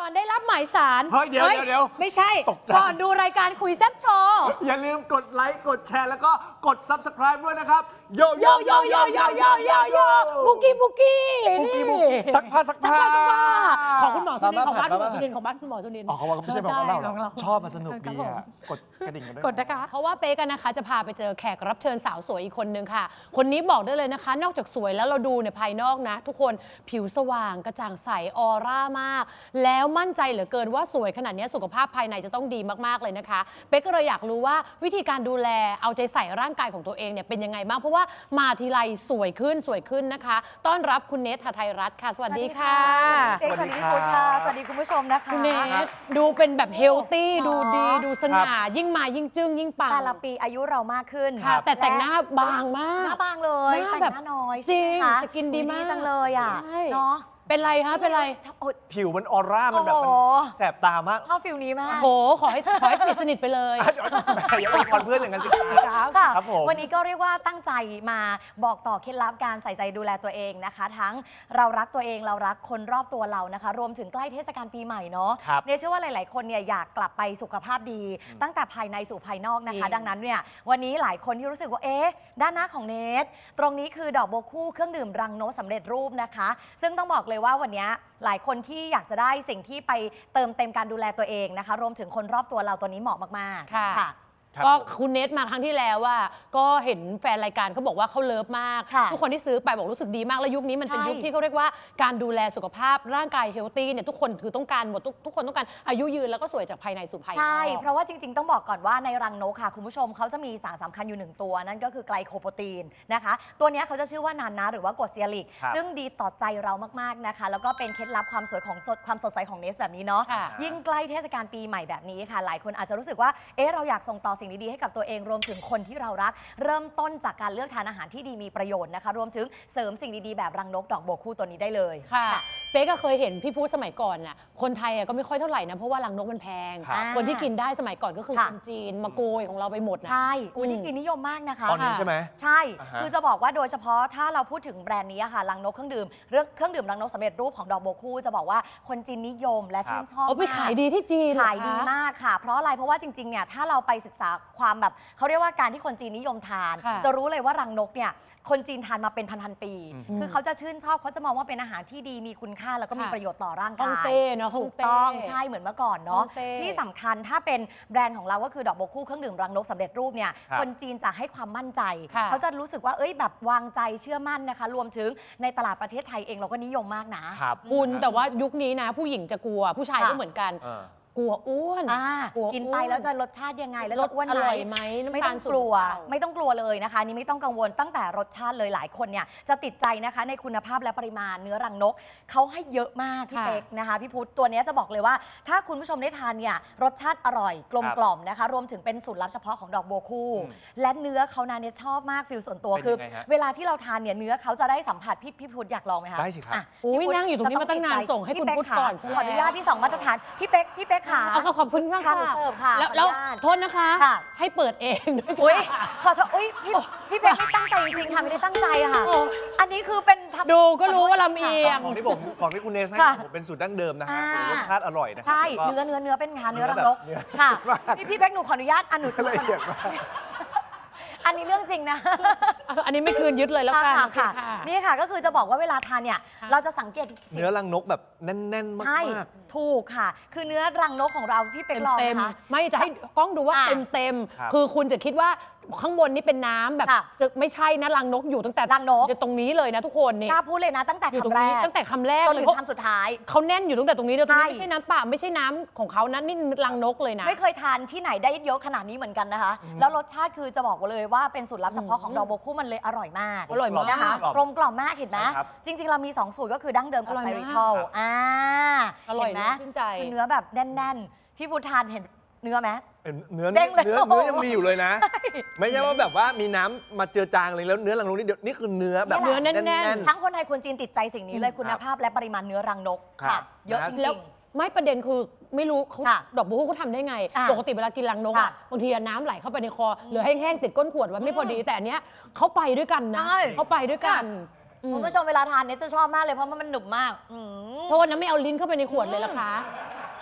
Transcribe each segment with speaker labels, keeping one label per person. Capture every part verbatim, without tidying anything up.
Speaker 1: อนได้รับหมายสาร
Speaker 2: เฮ้ยเดี๋ยวเดี๋ยวเดี๋ยว
Speaker 1: ไม่ใช่
Speaker 2: ตกใจ
Speaker 1: ก่อนดูรายการคุยแซ่บโชว์
Speaker 2: อย่าลืมกดไลค์กดแชร์แล้วก็กด ซับสไครบ์ ด้วยนะครับโย
Speaker 1: โยโยโยโยโยโยโยบุกี้บุกี้
Speaker 2: บุกี้
Speaker 1: นี่
Speaker 2: บุกี้ซักผ้าซักผ้า
Speaker 1: ซักผ้าของคุณหมอสุนินท์ของบ้านคุณหมอ
Speaker 2: บ้าน
Speaker 1: สุนินท์ของบ้านคุณหมอสุนินท์
Speaker 2: อ๋อเขาบอกว่าไม่ใช่ของเราหร
Speaker 1: ของ
Speaker 2: อ
Speaker 1: เรา
Speaker 2: ชอบมาสนุกดี
Speaker 1: ครับ
Speaker 2: อ่ะ
Speaker 1: ผม
Speaker 2: กดกระดิ่งกันด้วย
Speaker 1: กดนะคะเพราะว่าเป๊กันนะคะจะพาไปเจอแขกรับเชิญสาวสวยอีกคนนึงค่ะ คนนี้บอกได้เลยนะคะ นอกจากสวยแล้วเราดูในภายนอกนะ ทุกคนผิวสว่างกระจ่างใสออร่ามาก แล้วมั่นใจเหลือเกินว่าสวยขนาดนี้สุขภาพภายในจะต้องดีมากๆเลยนะคะเป๊กก็เลยอยากรู้ว่าวิธีการดูแลเอาใจใส่ร่างกายของตัวเองเนี่ยเป็นยังไงบ้างเพราะว่ามาทีไรสวยขึ้นสวยขึ้นนะคะต้อนรับคุณเนท หทัยรัตน์ค่ะสวัสดีค่ะ
Speaker 3: สวัสดีค่ะ สวัสดีคุณผู้ชมนะคะ
Speaker 1: คุณเนทดูเป็นแบบเฮลตี้ดูดีดูสง่ายิ่งมายิ่งจึ้งยิ่งปัง
Speaker 3: แต่ละปีอายุเรามากขึ้น
Speaker 1: ค่ะแต่แต่งหน้าบางมาก
Speaker 3: หน้าบางเลย
Speaker 1: หน้า
Speaker 3: แต่ง
Speaker 1: แบบ
Speaker 3: หน้าน้อย
Speaker 1: จริง
Speaker 3: ใช่ไหมคะ
Speaker 1: สกินดีมาก
Speaker 3: จังเลยอ่ะ
Speaker 1: ใช่
Speaker 3: เนาะ
Speaker 1: เป็นไรคะเป็นไร
Speaker 3: โอ๊ย
Speaker 2: ผิวมันออร่ามันแบบมัน
Speaker 3: โอ้โห
Speaker 2: แสบตามาก
Speaker 3: ชอบฟิลนี้มาก
Speaker 1: โหขอให้ขอให้ปิดสนิทไปเลย
Speaker 2: เดี๋ยวอย่าอวยพรเพื่อนอย่างนั้นสิครับ
Speaker 3: ค่ะ
Speaker 2: ครับผม
Speaker 3: วันนี้ก็เรียกว่าตั้งใจมาบอกต่อเคล็ดลับการใส่ใจดูแลตัวเองนะคะ ทั้งเรารักตัวเองเรารักคนรอบตัวเรานะคะ รวมถึงใกล้เทศกาลปีใหม่เนาะ
Speaker 2: ครับ
Speaker 3: เนี่ยเชื่อว่าหลาย ๆ คนเนี่ยอยากกลับไปสุขภาพดี ตั้งแต่ภายในสู่ภายนอกนะคะ
Speaker 1: จริง
Speaker 3: ดังนั้นเนี่ยวันนี้หลายคนที่รู้สึกว่าเอ๊ะด้านหน้าของเนทตรงนี้คือดอกโบวคู่เครื่องดื่มรังนกสำเร็จรูปนะคะ ซึ่งต้องบอกเลยว่าวันนี้หลายคนที่อยากจะได้สิ่งที่ไปเติมเต็มการดูแลตัวเองนะคะ รวมถึงคนรอบตัวเราตัวนี้เหมาะมากๆ
Speaker 1: ค่ะ
Speaker 3: ค่ะ
Speaker 2: ครับ
Speaker 1: ก็
Speaker 2: ผม
Speaker 1: คุณเนทมาครั้งที่แล้วว่าก็เห็นแฟนรายการเขาบอกว่าเขาเลิฟมาก
Speaker 3: ค่ะ
Speaker 1: ทุกคนที่ซื้อไปบอกรู้สึกดีมาก แล้วยุคนี้มันเป็น
Speaker 3: ใช่
Speaker 1: ยุคที่เขาเรียกว่าการดูแลสุขภาพร่างกายเฮลตี้เนี่ยทุกคนคือต้องการหมดทุกทุกคนต้องการอายุยืนแล้วก็สวยจากภายในสู่ภายนอก
Speaker 3: ใช่ เพราะว่าจริง ๆ ต้องบอกก่อนว่าในรังนกค่ะ คุณผู้ชมเขาจะมีสารสำคัญอยู่หนึ่งตัว นั่นก็คือไกลโคโปรตีนนะคะ ตัวเนี้ยเขาจะชื่อว่านานาหรือว่ากรดเซียริก
Speaker 2: ครับ
Speaker 3: ซึ่งดีต่อใจเรามากๆนะคะ แล้วก็เป็นเคล็ดลับความสวยของสดความสดใสของเนสแบบนี้เนาะ
Speaker 1: ค่ะ
Speaker 3: ยิ่งใกล้เทศกาลปีใหม่แบบนี้ค่ะ หลายคนอาจจะรู้สึกว่าเอ๊ะเราอยากส่งต่อสิ่งดีๆให้กับตัวเองรวมถึงคนที่เรารัก เริ่มต้นจากการเลือกทานอาหารที่ดีมีประโยชน์นะคะ รวมถึงเสริมสิ่งดีๆแบบรังนกดอกโบวคู่ตัวนี้ได้เลย
Speaker 1: ค่ะเป๊กก็เคยเห็นพี่พูดสมัยก่อนน่ะคนไทยอ่ะก็ไม่ค่อยเท่าไหร่นะเพราะว่ารังนกมันแพง
Speaker 2: ครับ
Speaker 1: คนที่กินได้สมัยก่อนก็คือ
Speaker 3: ค่ะ
Speaker 1: คนจีนมาโกยของเราไปหมดนะ
Speaker 3: ใช่อุ้ย
Speaker 1: อืม
Speaker 3: ที่จีนนิยมมากนะคะ
Speaker 2: ตอนนี้ใช่ไหม
Speaker 3: ใช่
Speaker 2: อ่าฮะ
Speaker 3: คือจะบอกว่าโดยเฉพาะถ้าเราพูดถึงแบรนด์นี้อะค่ะรังนกเครื่องดื่มเรื่องเครื่องดื่มรังนกสำเร็จรูปของดอกโบวคู่จะบอกว่าคนจีนนิยมและชื่นชอบ
Speaker 1: เอาไป
Speaker 3: มาก
Speaker 1: ขายดีที่จีนเหรอ
Speaker 3: ขายดี
Speaker 1: คะ
Speaker 3: มากค่ะ เพราะอะไร เพราะว่าจริงๆ เนี่ยถ้าเราไปศึกษาความแบบเขาเรียกว่าการที่คนจีนนิยมทาน
Speaker 1: ค่ะ
Speaker 3: จะรู้เลยว่ารังนกเนี่ยคนจีนทานมาเป็นพันๆปี
Speaker 2: อืม
Speaker 3: คือเขาจะชื่นชอบเขาจะมองว่าเป็นอาหารที่ดีมีคุณค่าแล้วก็มี
Speaker 1: ค่ะ
Speaker 3: ประโยชน์ต่อร่าง
Speaker 1: ฮ่อง
Speaker 3: กาย
Speaker 1: เต้เนาะฮ่
Speaker 3: ถู
Speaker 1: อง
Speaker 3: ก
Speaker 1: เต้
Speaker 3: ต้องใช่เหมือนเมื่อก่อนเนาะ
Speaker 1: ฮ่องเต้
Speaker 3: ที่สำคัญถ้าเป็นแบรนด์ของเราก็คือดอกโบวคู่เครื่องดื่มรังนกสำเร็จรูปเนี่ย
Speaker 2: ครับ
Speaker 3: คนจีนจะให้ความมั่นใจ
Speaker 1: ค่ะ
Speaker 3: เขาจะรู้สึกว่าเอ้ยแบบวางใจเชื่อมั่นนะคะ รวมถึงในตลาดประเทศไทยเองเราก็นิยมมากนะ
Speaker 2: ครับ
Speaker 1: คุณแต่ว่ายุคนี้นะ ผู้หญิงจะกลัวผู้ชาย
Speaker 3: ค่ะ
Speaker 1: ก็เหมือนกัน
Speaker 2: เออ
Speaker 1: กลัวอ้วน
Speaker 3: อ่าก
Speaker 1: ลัว
Speaker 3: กินไป
Speaker 1: อ้วน
Speaker 3: แล้วจะรสชาติยังไงแล้ว
Speaker 1: ร
Speaker 3: จะ
Speaker 1: ส
Speaker 3: อ้วน
Speaker 1: อ
Speaker 3: ไหม
Speaker 1: ร่อยไหมน้ำ
Speaker 3: ไม่
Speaker 1: ตา
Speaker 3: ต้อ
Speaker 1: ล
Speaker 3: ง
Speaker 1: สู
Speaker 3: ก
Speaker 1: ง
Speaker 3: ลัว
Speaker 1: หรือเปล่า
Speaker 3: ไม่ต้องกลัวเลยนะคะอันนี่ไม่ต้องกังวลตั้งแต่รสชาติเลยหลายคนเนี่ยจะติดใจนะคะในคุณภาพและปริมาณเนื้อรังนกเขาให้เยอะมากพี่
Speaker 1: ค่ะ
Speaker 3: เป๊กนะคะพี่พุทธตัวเนี้ยจะบอกเลยว่า ถ้าคุณผู้ชมได้ทานเนี่ยรสชาติอร่อยกลมกล่อมนะคะ รวมถึงเป็นสูตรลับเฉพาะของดอกบัวคู่
Speaker 2: อืม
Speaker 3: และเนื้อเขานะเนี่ยชอบมากฟิลส่วนตัว
Speaker 2: เป็น
Speaker 3: คือ
Speaker 2: ยังไงฮะ
Speaker 3: เวลาที่เราทานเนี่ยเนื้อเขาจะได้สัมผัสพี่พี่พุทธอยากลองไหมคะ
Speaker 2: ได้สิครับ
Speaker 3: อ่ะ
Speaker 1: อุ๊ย
Speaker 3: พี่พุทธ
Speaker 1: นั่งอยู่ตรงนี้มาตั้งนาน
Speaker 3: จะอ
Speaker 1: ส่งให้คุณ
Speaker 3: พี่เป๊
Speaker 1: พุทธก่อนซะ
Speaker 3: ขออนุ
Speaker 1: แล้ว
Speaker 3: ญาตที่สองมาตรฐานพี่เป๊กพี่เป๊กขา
Speaker 1: เอาขอบคุณมาก
Speaker 3: ค่ะ
Speaker 1: ค่ะ
Speaker 3: หนูเสิร์ฟค่ะ
Speaker 1: แล้ว
Speaker 3: ขออนุ
Speaker 1: แล้ว
Speaker 3: ญาต
Speaker 1: โทษนะคะ
Speaker 3: ค่ะ
Speaker 1: ให้เปิดเองด้วย
Speaker 3: อุ้ย
Speaker 1: ค่ะ
Speaker 3: ขอโทษอุ้ยพี่พี่เป๊กไม่ตั้งใจจริงๆค่ะไม่ได้ตั้งใจอะค่ะ
Speaker 1: โอ้
Speaker 3: อันนี้คือเป็นทำ
Speaker 1: ดูก็รู้ว่าลำเอียง
Speaker 2: ของที่ผมของที่คุณเนสให้
Speaker 3: ค่ะ
Speaker 2: ผมเป็นสูตรดั้งเดิมนะฮะ
Speaker 3: อ่าร
Speaker 2: รสชาติอร่อยนะครั
Speaker 3: ใช่
Speaker 2: แล้วก็
Speaker 3: เนื้อเนื้อเนื้อเป็นงานเนื้อรัง
Speaker 2: เนื้
Speaker 3: น
Speaker 2: อก แบบเนื้อ
Speaker 3: ค่ะ
Speaker 2: มาก
Speaker 3: พี่พี่เป๊กหนูขออนุญาตอันหนูหนู
Speaker 2: ละเอียดมาก
Speaker 3: อันนี้เรื่องจริงนะ
Speaker 1: อันนี้ไม่คืนยึดเลยแล้วกัน
Speaker 3: ค่ะค่ะ
Speaker 1: โอเ
Speaker 3: นี่ค่ะก็คือจะบอกว่าเวลาทานเนี่ย
Speaker 1: ค่ะ
Speaker 3: เราจะสังเกตสิ่ง
Speaker 2: เนื้อรังนกแบบแน่นๆ
Speaker 3: ใช่
Speaker 2: มาก
Speaker 3: ถูกค่ะ คือเนื้อรังนกของเราพี่เป๊ก
Speaker 1: เต็ม
Speaker 3: ลอง
Speaker 1: เต็ม
Speaker 3: นะคะ
Speaker 1: ไม่จะให้กล้องดูว่า
Speaker 3: อ่ะ
Speaker 1: เต็มเต็ม
Speaker 2: ครับ
Speaker 1: คือคุณจะคิดว่าข้างบนนี่เป็นน้ำแบบ
Speaker 3: ค่ะ
Speaker 1: จะไม่ใช่นะรังนกอยู่ตั้งแต่
Speaker 3: รังนก
Speaker 1: ตรงนี้เลยนะทุกคนนี่
Speaker 3: กล้าพูดเลยนะตั้งแต่
Speaker 1: อยู่ตรง
Speaker 3: คำแร
Speaker 1: นี้
Speaker 3: ก
Speaker 1: ตั้งแต่คำแรก
Speaker 3: จน
Speaker 1: เลย
Speaker 3: ถึง
Speaker 1: เขา
Speaker 3: คำสุดท้าย
Speaker 1: เขาแน่นอยู่ตั้งแต่ตรงนี้เลยตรงนี้
Speaker 3: ใช่
Speaker 1: ไม่ใช่น้ำเปล่าไม่ใช่น้ำของเขานะนี่รังนกเลยนะ
Speaker 3: ไม่เคยทานที่ไหนได้เยอะขนาดนี้เหมือนกันนะคะ แล้วรสชาติคือจะบอกเลยว่าเป็นสูตรลับเฉพาะของ
Speaker 1: อืม
Speaker 3: ดอกโบวคู่มันเลยอร่อยมาก
Speaker 1: อร่อยมาก
Speaker 3: นะคะ
Speaker 2: กลม
Speaker 3: กลมกล่อมมากเห็นไหม
Speaker 2: ใช่ครับ
Speaker 3: จริง ๆ เรามี สอง สูตรก็คือดั้งเดิมกับ
Speaker 1: อร่อย
Speaker 3: ไซ
Speaker 1: มาก
Speaker 3: ริทัล
Speaker 2: ครับ
Speaker 3: อ่า
Speaker 1: อร่อย
Speaker 3: เห็นไหม
Speaker 1: มากชื่นใจ
Speaker 3: คือเนื้อแบบแน่นๆ พี่พุทธทานเห็นเนื้อไหม
Speaker 2: เป็นเนื้อ
Speaker 3: เด้งเลย
Speaker 2: เนื้อ
Speaker 3: โอ้โห
Speaker 2: เนื้อยังมีอยู่เลยนะ ไม่ใช่ว่าแบบว่ามีน้ำมาเจือจางเลยแล้วเนื้อรังนกนี่เดี๋ยวนี่คือเนื้อแบบ
Speaker 1: เนื้อแน่นๆ
Speaker 3: ทั้งคนไทยคนจีนติดใจสิ่งนี้เลย
Speaker 2: อืม
Speaker 3: คุณภาพและปริมาณเนื้อรังนก
Speaker 2: ครั
Speaker 3: ค่ะ
Speaker 2: บ
Speaker 3: เยอะ
Speaker 2: นะ
Speaker 3: จ
Speaker 1: แล้
Speaker 3: ริ
Speaker 1: ว
Speaker 3: ง
Speaker 1: ไม่ประเด็นคือไม่รู้เขา
Speaker 3: ค่ะ
Speaker 1: ดอกบัวเขาทำได้ไง
Speaker 3: อ่ะ
Speaker 1: ปกติเวลากินรังนก
Speaker 3: ค่ะ
Speaker 1: อะบางทีอะน้ำไหลเข้าไปในคอเหลือแห้งๆติดก้นขวดไว้ไม่พอดี แต่อันเนี้ยเขาไปด้วยกันนะ
Speaker 3: ใช่
Speaker 1: เขาไปด้วยกัน
Speaker 3: ๆ
Speaker 1: อืม
Speaker 3: คุณผู้ชมเวลาทานเนี่ยจะชอบมากเลยเพราะมันหนึบมากอืม
Speaker 1: โทษนะไม่เอาลิ้นเข้าไปในขวดเลยละคะ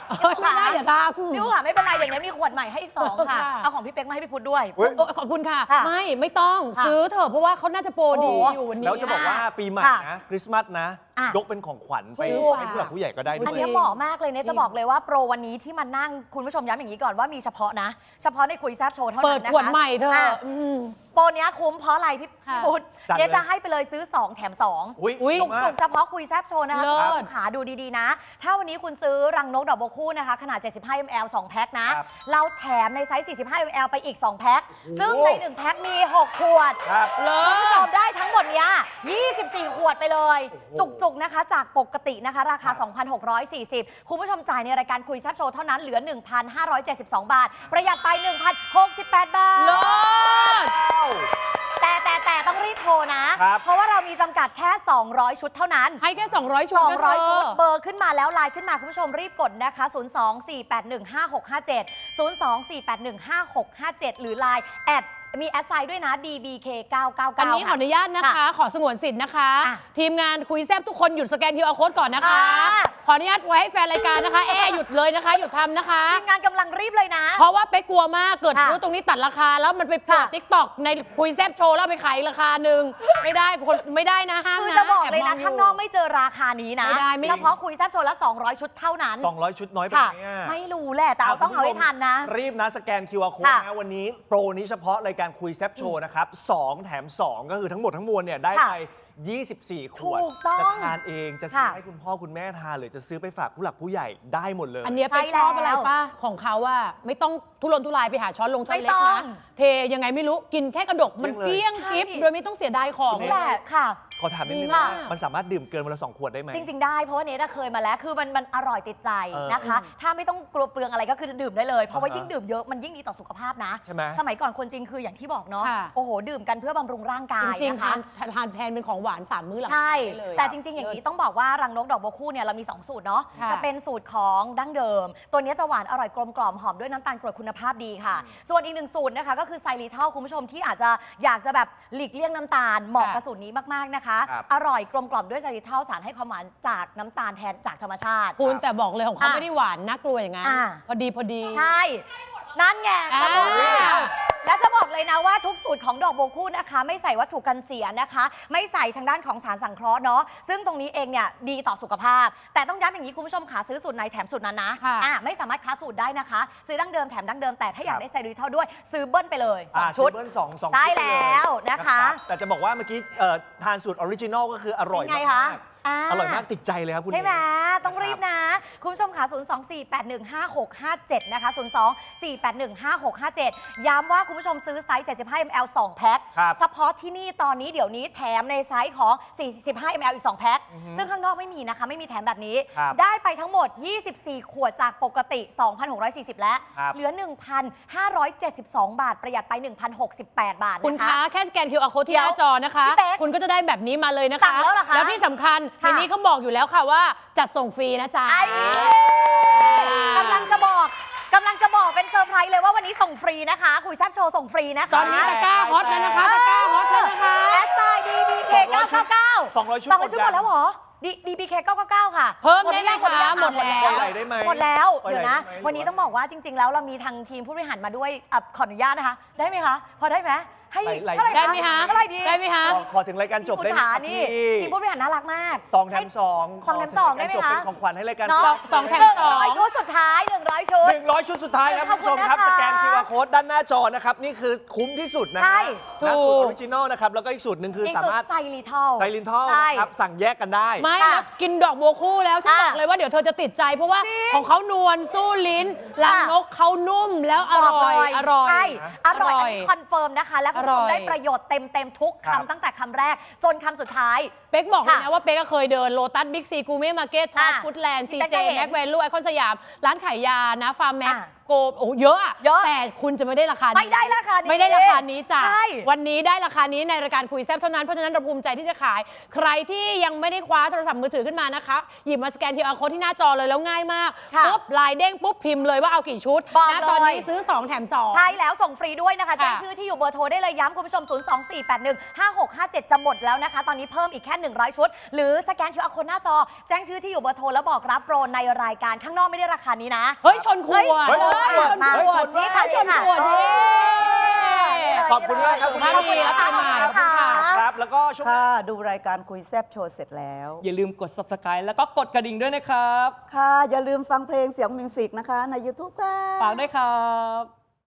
Speaker 1: เฮ้ยไม่ได้อย่าทำ
Speaker 3: พี่อู๋ค่ะไม่เป็นไรอย่างนี้มีขวดใหม่ให้อีกสองค่ะ
Speaker 1: ค่ะ
Speaker 3: เอาของพี่เป๊กมาให้พี่พุทธด้วย
Speaker 2: เฮ้ย
Speaker 1: โอ้ขอบคุณค่ะ
Speaker 3: ค่ะ
Speaker 1: ไม่ไม่ต้อง
Speaker 3: ค่ะ
Speaker 1: ซื้อเถอะเพราะว่าเขาน่าจะโปรดี
Speaker 3: โอ้โห
Speaker 1: อยู่วันนี้
Speaker 2: แล้วจะบอกว่าปีใหม่
Speaker 3: ค่ะ
Speaker 2: นะคริสต์มาสนะ
Speaker 3: อ่ะ
Speaker 2: ยกเป็นของขวัญไป
Speaker 3: ถูก
Speaker 2: ให้ผู้หลักผู้ใหญ่ก็ได้ด้
Speaker 3: อัน
Speaker 2: วย
Speaker 3: นี้เหมาะมากเลยเนี่ย
Speaker 1: จริง
Speaker 3: จะบอกเลยว่าโปรวันนี้ที่มานั่งคุณผู้ชมย้ำอย่างนี้ก่อนว่ามีเฉพาะนะ เฉพาะในคุยแซบโชว์เท่า
Speaker 1: เปิ
Speaker 3: นั้
Speaker 1: ด
Speaker 3: นนะคะ
Speaker 1: ขวดใหม่เถ
Speaker 3: อ่ะ
Speaker 1: อะอืม
Speaker 3: โปรเนี้ยคุ้มเพราะอะไรพี่
Speaker 1: ค่ะ
Speaker 3: พุทธ
Speaker 2: จัดเลย
Speaker 3: เนี่ยจะให้ไปเลยซื้อ สอง แถม สอง
Speaker 2: อุ้ย
Speaker 1: อุ๊ย
Speaker 2: ดีมา
Speaker 3: จุ
Speaker 2: ก
Speaker 3: กๆเฉพาะคุยแซบโชว์นะคะ
Speaker 1: เลิศ
Speaker 3: คุณผู้ชมขาดูดีๆนะ ถ้าวันนี้คุณซื้อรังนกดอกบัวคู่นะคะขนาด เจ็ดสิบห้ามิลลิลิตร สอง แพ็คนะ
Speaker 2: ครับ
Speaker 3: เราแถมในไซส์ สี่สิบห้ามิลลิลิตร ไปอีก สอง แพ็ค
Speaker 2: โอ้โห
Speaker 3: ซึ่งใน หนึ่ง แพ็คมี หก ขวด
Speaker 2: ครับ
Speaker 1: เลิ
Speaker 3: คุณผู้ช
Speaker 1: ศ
Speaker 3: มได้ทั้งหมดเนี้ยยี่สิบสี่ ขวดไปเลย
Speaker 2: โอ้โห
Speaker 3: จุกๆนะคะ จากปกตินะคะ ราคา
Speaker 2: ครับ
Speaker 3: สองพันหกร้อยสี่สิบ คุณผู้ชมจ่ายในรายการคุยแซบโชว์เท่านั้นเหลือ หนึ่งพันห้าร้อยเจ็ดสิบสอง บาท ประหยัดไป หนึ่งพันหกสิบแปด บาท
Speaker 1: เลิศ
Speaker 3: แต่แต่แต่ต้องรีบโทรนะ
Speaker 2: ครับ
Speaker 3: เพราะว่าเรามีจำกัดแค่ สองร้อย ชุดเท่านั้น
Speaker 1: ให้แค่ สองร้อย ชุดนะเธ
Speaker 3: สองร้อย ชุด เบอร์ขึ้นมาแล้วไลน์ขึ้นมา คุณผู้ชมรีบกดนะคะ ศูนย์ สอง สี่ แปด หนึ่ง ห้า หก ห้า เจ็ด ศูนย์ สอง สี่ แปด หนึ่ง ห้า หก ห้า เจ็ด หรือไลน์แอดมีแอดไซน์ด้วยนะ ดี บี เค เก้า เก้า เก้า
Speaker 1: อันนี้ขออนุญาตนะคะ
Speaker 3: ค่ะ
Speaker 1: ขอสงวนสิทธิ์นะคะ
Speaker 3: อ่ะ
Speaker 1: ทีมงานคุยแซบทุกคนหยุดสแกน คิว อาร์ Code ก่อนนะคะ
Speaker 3: อ่ะ
Speaker 1: ขออนุญาตไว้ให้แฟนรายการนะคะ แอร์หยุดเลยนะคะ หยุดทำนะคะ
Speaker 3: ทีมงานกำลังรีบเลยนะ
Speaker 1: เพราะว่าเป๊กกลัวมากเกิด
Speaker 3: ค่ะ
Speaker 1: ซื้อตรงนี้ตัดราคา แล้วมันไปเปิด
Speaker 3: ค่ะ
Speaker 1: ติ๊กต็อกในคุยแซบโชว์แล้วไปขายอีกราคาหนึ่งไม่ได้คนไม่ได้นะห้าม
Speaker 3: คือ
Speaker 1: นะ
Speaker 3: จะบอกเลยนะ
Speaker 1: แบม
Speaker 3: ข้างนอกไม่เจอราคานี้นะ
Speaker 1: ไม่ได้ไม่
Speaker 3: เฉพาะคุยแซบโชว์ละ สองร้อย ชุดเท่านั้น
Speaker 2: สองร้อย ชุดน้อยไป
Speaker 3: ค่ะ
Speaker 2: ไหมอ่ะ
Speaker 3: ไม่รู้แหละ แต่เอาต้องเอาให้ทันนะ
Speaker 2: รีบนะสแกน คิว อาร์ Code
Speaker 3: ค่ะ
Speaker 2: นะวันนี้โปรนี้เฉพาะรายการคุยแซบโชว์นะครับสองแถมสองก็คือทั้งหมดทั้งมวลเนี่ยได้
Speaker 3: ค่ะ
Speaker 2: ไป ยี่สิบสี่ ขวด
Speaker 3: ถูกต้อง
Speaker 2: จะทานเองจะซื้อ
Speaker 3: ค่ะ
Speaker 2: ให้คุณพ่อคุณแม่ทานหรือจะซื้อไปฝากผู้หลักผู้ใหญ่ได้หมดเลย
Speaker 1: อันเนี้ยเป๊ก
Speaker 3: ใช่
Speaker 1: ชอบอะไร
Speaker 3: แล้ว
Speaker 1: ป้าของเขาว่าไม่ต้องทุรนทุรายไปหาช้อนลงช้อน
Speaker 3: ไม่
Speaker 1: เล็ก
Speaker 3: ต้อ
Speaker 1: นะ
Speaker 3: ง
Speaker 1: เทยังไงไม่รู้กินแค่กระดกมัน
Speaker 2: เกลี้
Speaker 1: เกลี้
Speaker 2: ย
Speaker 1: ย
Speaker 2: ง
Speaker 1: ง
Speaker 2: เลย
Speaker 1: กิฟ
Speaker 3: ใช่
Speaker 1: โดยไม่ต้องเสียดายของ
Speaker 2: คุณ
Speaker 3: นี่
Speaker 2: เ
Speaker 3: แหละค่ะ
Speaker 2: ขอถามนิดนึง
Speaker 1: ดี
Speaker 2: ว่าม
Speaker 1: าก
Speaker 2: มันสามารถดื่มเกินวันละสองขวดได้ไหม
Speaker 3: จริง ๆ ได้เพราะว่าเนทเคยมาแล้ว คือมันมันอร่อยติดใจ
Speaker 2: เออ
Speaker 3: นะคะ ถ้าไม่ต้องกลัวเปลืองอะไรก็คือดื่มได้เลย เพราะว่า
Speaker 2: อ่าฮะ
Speaker 3: ยิ่งดื่มเยอะมันยิ่งดีต่อสุขภาพนะ
Speaker 2: ใช่ไหม
Speaker 3: สมัยก่อนคนจริงคืออย่างที่บอกเนาะ
Speaker 1: ค่ะ
Speaker 3: โอ้โห ดื่มกันเพื่อบำรุงร่างกาย
Speaker 1: จริง
Speaker 3: นะ
Speaker 1: ๆ
Speaker 3: คะ
Speaker 1: ทานทานแทนเป็นของหวานสามมื้อหลัง
Speaker 3: ใช่
Speaker 1: ได้เลย
Speaker 3: แต่จริง ๆ อย่างนี้ต้องบอกว่ารังนกดอกบัวคู่เนี่ยเรามี สอง สูตรเนาะ
Speaker 1: ค่ะ
Speaker 3: จะเป็นสูตรของดั้งเดิม ตัวนี้จะหวานอร่อยกลมกล่อมหอมด้วยน้ำตาลกรวดคุณภาพดีค่ะ ส่วนอีกหนึ่งสูตรนะคะก็คือไซริทัลคุณผู้ชมที่อาจจะอยากจะแบบหลีกเลี่ยงน้ำตาลเหมาะกับสูตรนี้มากๆนะคะ
Speaker 2: ครับ
Speaker 3: อร่อยกลมกล่อมด้วยไซริทัลสารให้ความหวานจากน้ำตาลแทนจากธรรมชาติ
Speaker 1: คุณแต่บอกเลยของเขา
Speaker 3: อ่ะ
Speaker 1: ไม่ได้หวานน่ากลัวอย่างนั้น
Speaker 3: อ่ะ
Speaker 1: พอดีพอดี
Speaker 3: ใช่ นั่นไง
Speaker 1: อ่า
Speaker 3: ก็บอกแล้วและจะบอกเลยนะว่าทุกสูตรของดอกบัวคู่นะคะ ไม่ใส่วัตถุกันเสียนะคะ ไม่ใส่ทางด้านของสารสังเคราะห์เนาะซึ่งตรงนี้เองเนี่ยดีต่อสุขภาพ แต่ต้องย้ำอย่างนี้คุณผู้ชมขาซื้อสูตรไหนแถมสูตรนั้นนะ
Speaker 1: ค่ะ
Speaker 3: อ่ะไม่สามารถค้าสูตรได้นะคะ ซื้อดั้งเดิมแถมดั้งเดิมแต่ถ้าอยากได้ไซริทัลด้วย ซื้อเบิ้ลไปเลยสอง
Speaker 2: อ่า
Speaker 3: ชุด
Speaker 2: ซื้อเบิ้ลสองสอง
Speaker 3: ได้
Speaker 2: ชุไปเย
Speaker 3: แล้วนะคะ
Speaker 2: รับแต่จะบอกว่าเมื่อกี้เอ่อทานสูตรออริจินอลก็คืออร่อย
Speaker 3: เป็นไง
Speaker 2: มา
Speaker 3: คะ
Speaker 2: ก
Speaker 3: อ่า
Speaker 2: ๆอร่อยมากติดใจเลยครับคุณ
Speaker 3: ใช่ไหม
Speaker 2: เอ๋
Speaker 3: ต้องรีบนะ คุณผู้ชมค่ะ ศูนย์ สอง สี่ แปด หนึ่ง ห้า หก ห้า เจ็ด นะคะ ศูนย์ สอง สี่ แปด หนึ่ง ห้า หก ห้า เจ็ด ย้ำว่าคุณผู้ชมซื้อไซส์ เจ็ดสิบห้ามิลลิลิตร สอง แพ็ค
Speaker 2: ครับ
Speaker 3: เฉพาะที่นี่ตอนนี้เดี๋ยวนี้แถมในไซส์ของ สี่สิบห้ามิลลิลิตร อีก สอง แพ็ค
Speaker 2: อือฮึ
Speaker 3: ซึ่งข้างนอกไม่มีนะคะ ไม่มีแถมแบบนี้
Speaker 2: ครับ
Speaker 3: ได้ไปทั้งหมด ยี่สิบสี่ ขวดจากปกติ สองพันหกร้อยสี่สิบ แล้ว
Speaker 2: ครับ
Speaker 3: เหลือ หนึ่งพันห้าร้อยเจ็ดสิบสอง บาท ประหยัดไป หนึ่งพันหกสิบแปด บาท
Speaker 1: คุณ
Speaker 3: นะคะ
Speaker 1: คะแค่สแกน คิว อาร์ Code ที่
Speaker 3: เดี๋
Speaker 1: ห
Speaker 3: ยว
Speaker 1: น้าจอนะคะ
Speaker 3: พี่เป๊ก
Speaker 1: คุณก็จะได้แบบนี้มาเลยนะคะ
Speaker 3: สั่งแล้วเหรอคะ
Speaker 1: แล้วที่สำคัญใน
Speaker 3: ค่ะ
Speaker 1: นี้เขาบอกอยู่แล้วค่ะว่าจัดส่งฟรีนะจ๊ะ
Speaker 3: ไอ้กำลังจะบอกกำลังจะบอกเป็นเซอร์ไพรส์เลยว่าวันนี้ส่งฟรีนะคะ คุยแซบโชว์ส่งฟรีนะคะ
Speaker 1: ตอนนี้ตะกร้าฮอตแล้วนะคะตะกร้าฮอตแล้วนะคะ
Speaker 3: แอสไซดีบีเคเก้าเก้าเก้า
Speaker 2: สองร้อยชุด
Speaker 3: สองร้อยชุด
Speaker 2: ห
Speaker 3: ห
Speaker 2: ม
Speaker 3: ม
Speaker 2: ด
Speaker 3: ด
Speaker 2: ยั
Speaker 3: แล้ว
Speaker 2: ง
Speaker 3: เหรอดีบีเคเก้าเก้าเก้าค่ะ
Speaker 1: เพิ่มได้ไหม
Speaker 3: หรือยัง
Speaker 1: คะหมดแล้ว
Speaker 2: ปล่อยไหลได้ไหม
Speaker 3: หมดแล้ว
Speaker 2: ปล่อย
Speaker 3: เดี๋ยว
Speaker 2: ไหล
Speaker 3: นะ
Speaker 2: ได้ไหม
Speaker 3: วันนี้
Speaker 2: หรือว่า
Speaker 3: ต้องบอกว่าจริง ๆ แล้วเรามีทางทีมผู้บริหารมาด้วยอ่ะขออนุญาตนะคะ ได้ไหมคะ พอได้ไหมให้
Speaker 2: ไหลๆ
Speaker 3: เท่าไหร่
Speaker 1: ได้ไหมคะ
Speaker 3: เท่าไหร่ดี
Speaker 1: ได้ไหมคะ
Speaker 2: ขอขอถึงรายการจบ
Speaker 3: คุณ
Speaker 2: ได้ไหม
Speaker 3: ขา
Speaker 2: ครับ
Speaker 3: นี่
Speaker 2: พี่
Speaker 3: ทีมผู้บริหารน่ารักมาก
Speaker 2: สองแถมสอง
Speaker 3: สองแถมสองได้ไหม
Speaker 2: ขถึรายการจบ
Speaker 3: คะ
Speaker 2: เป็นของขวัญให้รายการ
Speaker 3: เนาะ
Speaker 1: สองแถม
Speaker 3: หนึ่ง
Speaker 1: สอง
Speaker 3: ร้อยชุดสุดท้ายหนึ่งร้อยชุด
Speaker 2: หนึ่งร้อยชุดสุดท้ายครับ
Speaker 3: ข
Speaker 2: คุ
Speaker 3: อบ
Speaker 2: ณ
Speaker 3: คุ
Speaker 2: ผู้ชมครับ
Speaker 3: ณนะคะ
Speaker 2: สแกน คิว อาร์ Code ด้านหน้าจอนะครับ นี่คือคุ้มที่สุดนะ
Speaker 3: ใช่
Speaker 2: ฮะนะ
Speaker 1: ถูก
Speaker 2: สูตรออริจินอลนะครับ แล้วก็อีกสูตรหนึ่งคือ
Speaker 3: อีก
Speaker 2: สา
Speaker 3: สุด
Speaker 2: มารถ
Speaker 3: ไซริทัล
Speaker 2: ไซลินทอล
Speaker 3: ใช่
Speaker 2: นะครับสั่งแยกกันได้
Speaker 1: ไม่
Speaker 3: ค่ะ
Speaker 1: แล้วกินดอกบัวคู่แล้วฉัน
Speaker 3: อ่ะ
Speaker 1: บอกเลยว่าเดี๋ยวเธอจะติดใจ เพราะว่าของเขานวลสู้ลิ้นรัง
Speaker 3: ค่ะ
Speaker 1: นกเขานุ่มแล้วอร่อย อร่อย
Speaker 3: ใช่ อร่อย
Speaker 1: อร่
Speaker 3: อั
Speaker 1: อน ย
Speaker 3: นี้คอนเฟิร์มนะคะ แล้วคุณผู้ชม
Speaker 1: อร่อย
Speaker 3: ได้ประโยชน์เต็มเต็มๆทุก
Speaker 2: ครับ
Speaker 3: คำตั้งแต่คำแรก จนคำสุดท้าย
Speaker 1: เป๊กบอกเลย
Speaker 3: ค่ะ
Speaker 1: นะว่าเป๊กก็เคยเดินโลตัสบิ๊กซีกูเม่มาร์เก็ตท็อป
Speaker 3: อ่ะ
Speaker 1: ฟู้ดแลนด์ซี
Speaker 3: พี่
Speaker 1: เจ
Speaker 3: เป๊กก็เห็น
Speaker 1: แม็กแวนลูไอคอนสยาม ร้านขายยานะฟาร์มแม็ก
Speaker 3: อ่ะ
Speaker 1: โกโอ้เยอะอะ
Speaker 3: เยอะ
Speaker 1: แต่คุณจะไม่ได้ราคานี้
Speaker 3: ไม่ได้ราคานี้
Speaker 1: ไม่ได้ราคานี้จ้ะ
Speaker 3: ใช่
Speaker 1: วันนี้ได้ราคานี้ในรายการคุยแซ่บเท่านั้นเพราะฉะนั้นเราภูมิใจที่จะขาย ใครที่ยังไม่ได้คว้าโทรศัพท์มือถือขึ้นมานะคะหยิบมาสแกน คิว อาร์ Code ที่หน้าจอเลยแล้วง่ายมาก
Speaker 3: ค่ะ
Speaker 1: ปุ๊บลายเด้งปุ๊บพิมพ์เลยว่าเอากี่ชุด
Speaker 3: บอก
Speaker 1: นะ
Speaker 3: เลย
Speaker 1: ตอนนี้ซื้อสองแถมสอง
Speaker 3: ใช่แล้วส่งฟรีด้วยนะคะ
Speaker 1: ค่ะ
Speaker 3: แจ้งชื่อที่อยู่เบอร์โทรได้เลยย้ำคุณผู้ชม ศูนย์ สอง สี่ แปด หนึ่ง ห้า หก ห้า เจ็ด จะหมดแล้วนะคะ ตอนนี้เพิ่มอีกแค่ หนึ่งร้อย ชุด หรือสแกน คิว อาร์ Code หน้าจอ แจ้งชื่อที่อยู่เบอร์โทรแล้วบอกรับโปรในรายการข้างนอกไม่ได้ราคานี้นะ
Speaker 1: เฮ้ยชนขวด
Speaker 2: เฮ้ย
Speaker 1: เฮ้ย
Speaker 2: เฮ้ย
Speaker 1: ชนขวด
Speaker 2: เฮ้ยชน
Speaker 1: นี่ค่ะชนขวด
Speaker 3: เฮ้
Speaker 1: นี่
Speaker 3: ย
Speaker 2: ขอบคุณมากครับคุณ
Speaker 1: มา
Speaker 2: ขอบ
Speaker 1: ดี
Speaker 2: คุณ
Speaker 1: รับ
Speaker 2: ค
Speaker 1: ไป
Speaker 2: รับ
Speaker 1: ใหม่ขอบคุณค่ะ
Speaker 2: ครับแล้วก็ช่วงหน้า
Speaker 4: ค่ะดูรายการคุยแซบโชว์เสร็จแล้ว
Speaker 5: อย่าลืมกด ซับสไครบ์ แล้วก็กดกระดิ่งด้วยนะครับ
Speaker 4: ค่ะ อย่าลืมฟังเพลงเสียงมิวสิกนะคะ ใน ยูทูบ ค่ะ
Speaker 5: ฝากด้วยครับ